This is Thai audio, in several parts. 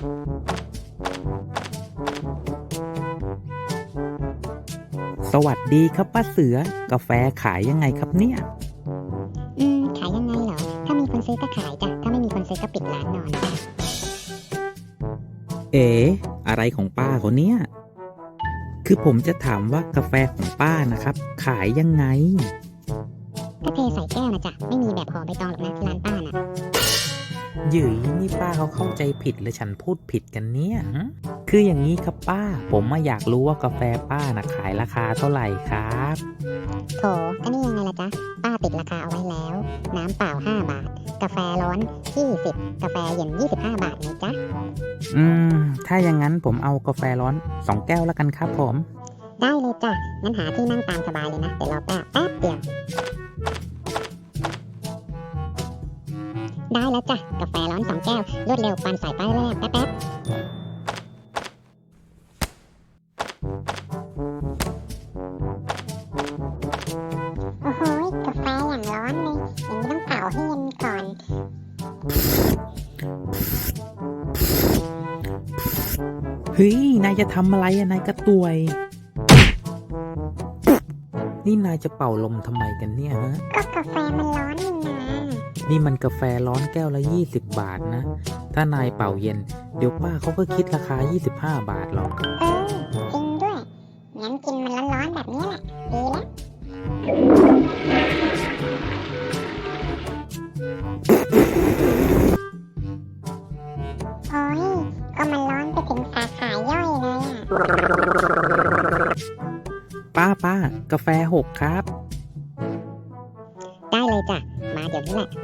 สวัสดีครับป้าเสือกาแฟขายยังไงครับเนี่ยขายยังไงเหรอถ้ามีคนซื้อก็ขายจ้ะถ้าไม่มีคนซื้อก็ปิดร้านนอนจ้ะเอ๋อะไรของป้าคนเนี้ยคือผมจะถามว่ากาแฟของป้านะครับขายยังไงก็เทใส่แก้วนะจ๊ะไม่มีแบบห่อใบตองหรอกนะที่ร้านป้าน่ะหยืยนี่ป้าเขาเข้าใจผิดหรือฉันพูดผิดกันเนี่ยคืออย่างนี้ครับป้าผมอยากรู้ว่ากาแฟป้านะขายราคาเท่าไหร่ครับโถก็นี่ยังไงล่ะจ๊ะป้าติดราคาเอาไว้แล้วน้ำเปล่า5 บาทกาแฟร้อน20กาแฟเย็น25 บาทนะจ๊ะถ้าอย่างนั้นผมเอากาแฟร้อน2 แก้วแล้วกันครับผมได้เลยจ้ะงั้นหาที่นั่งตามสบายเลยนะเดี๋ยวรอแป๊บเดียวได้แล้วจ้ะกาแฟร้อน2 แก้วรวดเร็วปันสายป้ายแรกแป๊บโอ้โหกาแฟอย่างร้อนเลยอย่างนี้ต้องเป่าให้เย็นก่อนเฮ้ยนายจะทำอะไรอะนายกระต่วย นี่นายจะเป่าลมทำไมกันเนี่ยฮะก็กาแฟมันร้อนนี่นานี่มันกาแฟร้อนแก้วละ20 บาทนะถ้านายเป่าเย็นเดี๋ยวป้าเขาก็คิดราคา25 บาทหรอกจริงด้วยงั้นกินมันร้อนๆแบบนี้แหละดีแล้วโอ้ยก็มันร้อนไปถึงสาขาย่อยเลยป้ากาแฟ6ครับได้เลยจ้ะมาเดี๋ยวนี้แหละ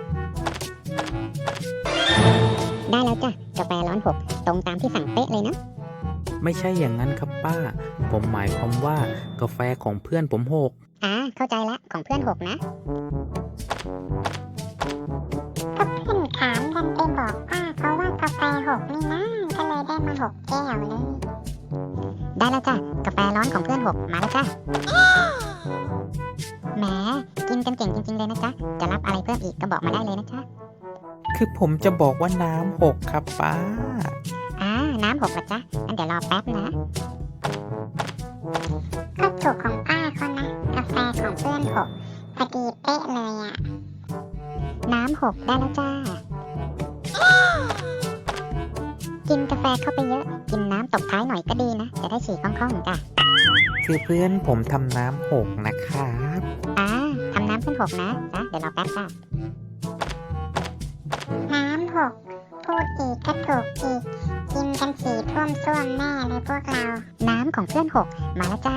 ได้แล้วจ้ะกาแฟร้อน6ตรงตามที่สั่งเป๊ะเลยนะไม่ใช่อย่างนั้นครับป้าผมหมายความว่ากาแฟของเพื่อนผม6 เข้าใจละของเพื่อน6นะก็เพื่อนถามกันไปบอกป้าเขาว่ากาแฟ6นี่นะก็เลยได้มา6 แก้วเลยได้แล้วจ้ะกาแฟร้อนของเพื่อน6มาแล้วจ้ะแหมกินกันเก่งจริงๆเลยนะจ๊ะจะรับอะไรเพิ่มอีกก็บอกมาได้เลยนะจ๊ะคือผมจะบอกว่าน้ำ6ครับป้าน้ำ6ละจ๊ะงั้นเดี๋ยวรอแป๊บนะก็ถูกของป้าเขานะกาแฟของเพื่อน6พอดีเป๊ะเลยอ่ะน้ำ6ได้แล้วจ้ากินกาแฟเข้าไปเยอะกินน้ำตบท้ายหน่อยก็ดีนะจะได้ฉี่คล่องๆจ้ะคือเพื่อนผมทำน้ำ6นะครับทำน้ำเพื่อน6นะจ๊ะเดี๋ยวรอแป๊บจ้ะน้ำ6พูดอีกก็ถูกอีกกินกันสีท่วมซ่วมแน่เลยพวกเราน้ำของเพื่อน6มาแล้วจ้า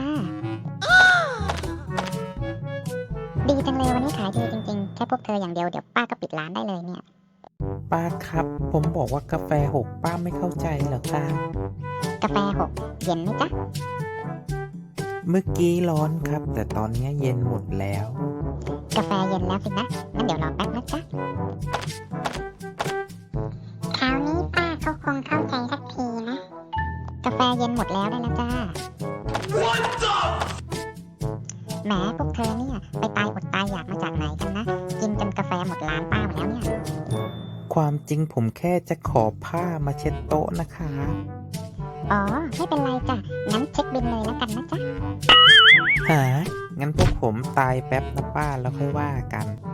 ดีจังเลยวันนี้ขายดีจริงๆแค่พวกเธออย่างเดียวเดี๋ยวป้าก็ปิดร้านได้เลยเนี่ยป้าครับผมบอกว่ากาแฟ6ป้าไม่เข้าใจเหรอครับกาแฟ6เย็นไหมจ๊ะเมื่อกี้ร้อนครับแต่ตอนนี้เย็นหมดแล้วกาแฟเย็นแล้วสินะงั้นเดี๋ยวรอแป๊บนะจ๊ะคราวนี้ป้าเขาคงเข้าใจสักทีนะกาแฟเย็นหมดแล้วได้แล้วจ้าแหมพวกเธอเนี่ยไปตายอดตายอยากมาจากไหนกันนะกินจนกาแฟหมดร้านป้าหมดแล้วเนี่ยความจริงผมแค่จะขอผ้ามาเช็ดโต๊ะนะคะไม่เป็นไรจ้ะงั้นเช็คบิลเลยแล้วกันนะจ๊ะงั้นพวกผมตายแป๊บนะป้าแล้วค่อยว่ากัน